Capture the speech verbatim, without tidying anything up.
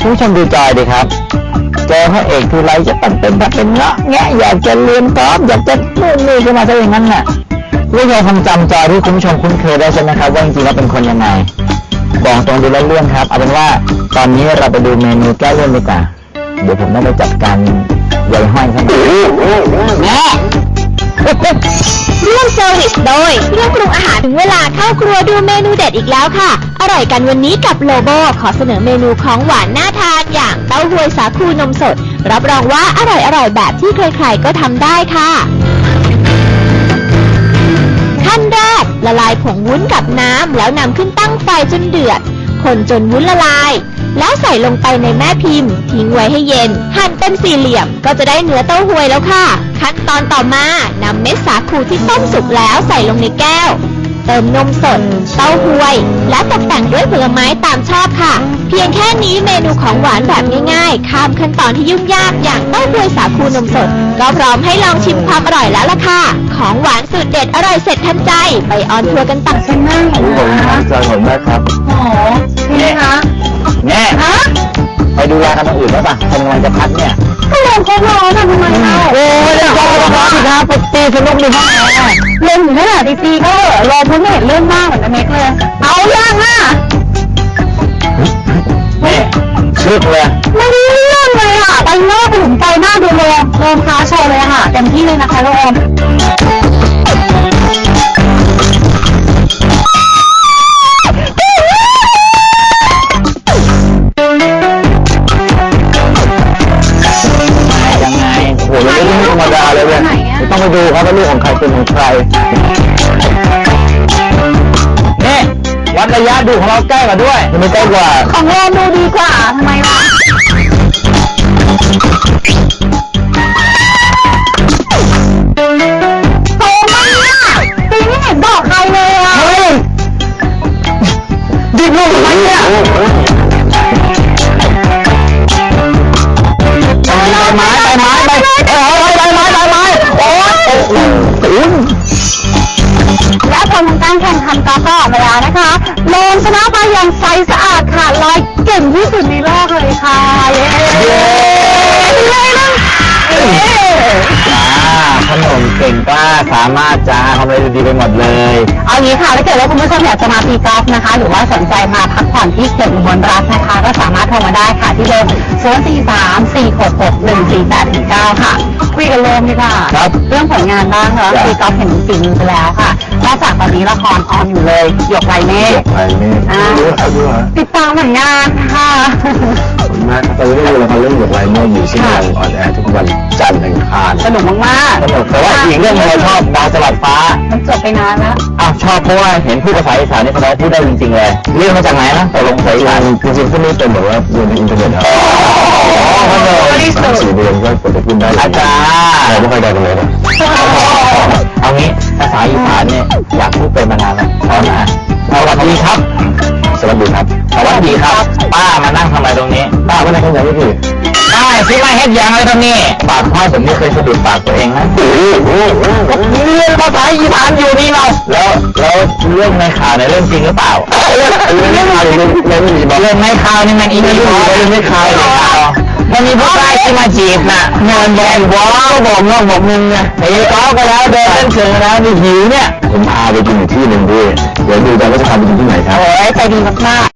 คุณผู้ชมดูจอยดีครับเจอพระเอกทีไรจะต้องเป็นแบบเป็นเงาะแงะอยากจะเรียนกอล์ฟอยากจะนู่นนี่ขึ้นมาซะอย่างนั้นน่ะคุณผู้ชมคงจำจอยที่คุณผู้ชมคุ้นเคยได้ใช่ไหมครับว่าจริงๆแล้วเป็นคนยังไงบอกตรงดูแล้วเรื่องครับเอาเป็นว่าตอนนี้เราไปดูเมนูแก้เลี่ยนดีกว่าเดี๋ยวผมต้องไปจัดการใยห้อยเขาหน่อยแม่ร่วมเซอร์วิสโดยเครื่องปรุงอาหารถึงเวลาเข้าครัวดูเมนูเด็ดอีกแล้วค่ะอร่อยกันวันนี้กับโลโบขอเสนอเมนูของหวานน่าทานอย่างเต้าหวยสาคูนมสดรับรองว่าอร่อยอร่อยแบบที่ใครๆก็ทำได้ค่ะขั้นแรกละลายผงวุ้นกับน้ำแล้วนำขึ้นตั้งไฟจนเดือดคนจนวุ้นละลายแล้วใส่ลงไปในแม่พิมพ์ทิ้งไว้ให้เย็นหั่นเป็นสี่เหลี่ยมก็จะได้เนื้อเต้าหวยแล้วค่ะขั้นตอนต่อมานำเม็ดสาคูที่ต้มสุกแล้วใส่ลงในแก้วเติมนมสดเต้าหวยและตกแต่งด้วยผลไม้ตามชอบค่ะเพียงแค่นี้เมนูของหวานแบบง่ายๆข้ามขั้นตอนที่ยุ่งยากอย่างเต้าหวยสาคูนมสดก็พร้อมให้ลองชิมความอร่อยแล้วล่ะค่ะของหวานสูตรเด็ดอร่อยเสร็จทันใจไปออนทัวร์กันต่อเช่นนั่งผมจอยผมมากครับโอ้นี่คะแม่ฮะไปดูแลกันตรงอื่นได้ป่ะคนกำลังจะพักเนี่ยก็ลงเขาร้อนอะทำไมเล่าโอ้ยเล่นเขาร้อนสิครับไปตีสนุกในห้องแอร์เล่นถึงขนาดตีๆก็รอพ้นเห็นเรื่องมากเหมือนเม็กเลยเอายังอ่ะแม่ชึกเลยไม่ได้เรื่องเลยอ่ะไปหน้าไปถึงใจหน้าดูเลยโอมค้าโชว์เลยค่ะเต็มที่เลยนะคะโอมต้องไปดูครับว่าลูกของใครเป็นของใครนี่วัดระยะดูของเราใกล้กว่าด้วยไม่ใกล้กว่าของเราดูดีกว่าทำไมวะโตมากปีไม่เห็นบอกใครเลยอ่ะเฮ้ยดิบลูกทำไมเนี่ยไม้ใบไม้ใบเออใบไม้ใบไม้โอ้ยตื่นและผลของการแข่งขันกอล์ฟก็ออกมาแล้วนะคะโลนชนะไปอย่างใสสะอาดขาดลอยเก่งที่สุดในโลกเลยค่ะเย้เลยนะขนมเก่งกล้าสามารถจ้าทำอะไรดีไปหมดเลยเอางี้ค่ะถ้าเกิดว่าคุณผู้ชมอยากจะมาตีกอล์ฟนะคะหรือว่าสนใจมาพักผ่อนที่เขื่อนอุบลรัตน์นะคะก็สามารถโทรมาได้ค่ะที่เบอร์ศูนย์ สี่ สาม สี่ หก หก หนึ่ง สี่ แปด เก้าค่ะคุยกันเริ่มดีกว่าครับเรื่องผลงานบ้างเหรอตีกอล์ฟเห็นฝีมือไปแล้วค่ะนอกจากตอนนี้ละครออนอยู่เลยหยกไรเมฆหยกไรเมฆติดตามผลงานค่ะผลงานตอนนี้ดูละครเรื่องหยกไรเมฆอยู่ที่โรงออนแอร์ทุกวันจันทร์อังคารสนุกมากๆสนุกแต่ว่าอีกเรื่องเราชอบดาวสลัดฟ้ามันจบไปนานแล้วอ้าวชอบเพราะว่าเห็นพูดภาษาอีสานนี่เขาพูดได้จริงๆเลยเรียนมาจากไหนนะตกลงภาษาอีสานจริงๆพวกนี้เป็นแบบว่าเรียนในอินเทอร์เน็ตครับสี่เดือนก็กดจะพูดได้อาจารย์เราไม่ค่อยได้กันเลยเอางี้ภาษาอีสานเนี่ยอยากพูดเป็นมานานแล้วตอนนะสวัสดีครับสวัสดีครับสวัสดีครับป้ามานั่งทำอะไรตรงนี้ป้าไม่ได้ทำอะไรไม่ผิดป้าซื้อมาเฮ็ดยังเลยตรงนี้ปากพ่อผมไม่เคยสะดุดปากตัวเองนะเรียนภาษาอีสานอยู่นี่เราแล้วแล้วเรื่องในข่าวในเรื่องจริงหรือเปล่าเรื่องในข่าวเรื่องเรื่องเรื่องในข่าวนี่มันอีกเรื่องเรื่องในข่าวมันมีผู้ชายที่มาจีบน่ะเงินแดงวอก็บอกน้องบอกมึงไงไอ้ก้าวก็แล้วเดินเล่นเชิงแล้วนี่หิวเนี่ยผมพาไปกินที่หนึ่งด้วยเดี๋ยวดูกันว่าจะพาไปกินที่ไหนครับโอ้ยใจดีมาก